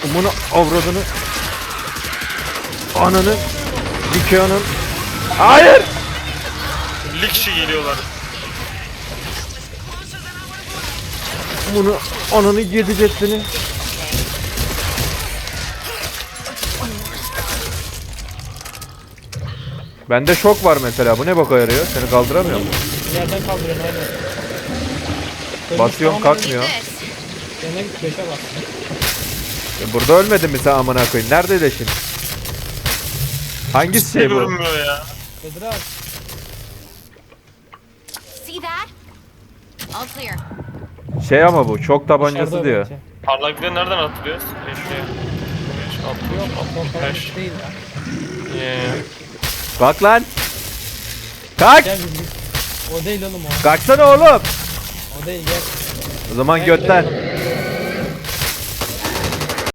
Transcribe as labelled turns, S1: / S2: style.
S1: Bunu avradını. Ananı. Dikeon'un. Hayır.
S2: 50 kişi geliyorlar.
S1: Bunu ananı yedi ceddini. Bende şok var mesela. Bu ne boka yarıyor? Seni kaldıramıyor mu?
S3: Yerden kaldırıyorum aynen.
S1: Basıyorum kalkmıyor.
S3: Yerine git 5'e bas.
S1: Burada ölmedin mi sen amına koyayım? Nerede leşin? Hangisi şey bu?
S2: Görünmüyor ya.
S3: Bedir abi.
S4: See that? All clear.
S1: Şey ama bu çok tabancası
S3: Dışarıda
S1: diyor.
S3: bence.
S2: Parlaklığı nereden atılıyoruz? Eşeğe.
S3: Yok kontrol
S2: Beş.
S3: değil ya.
S1: Kalk lan. Kalk.
S3: Gel bir. O değil oğlum o.
S1: Kalksana oğlum.
S3: O değil gel.
S1: O zaman
S3: Gel
S1: götten.
S3: gidelim.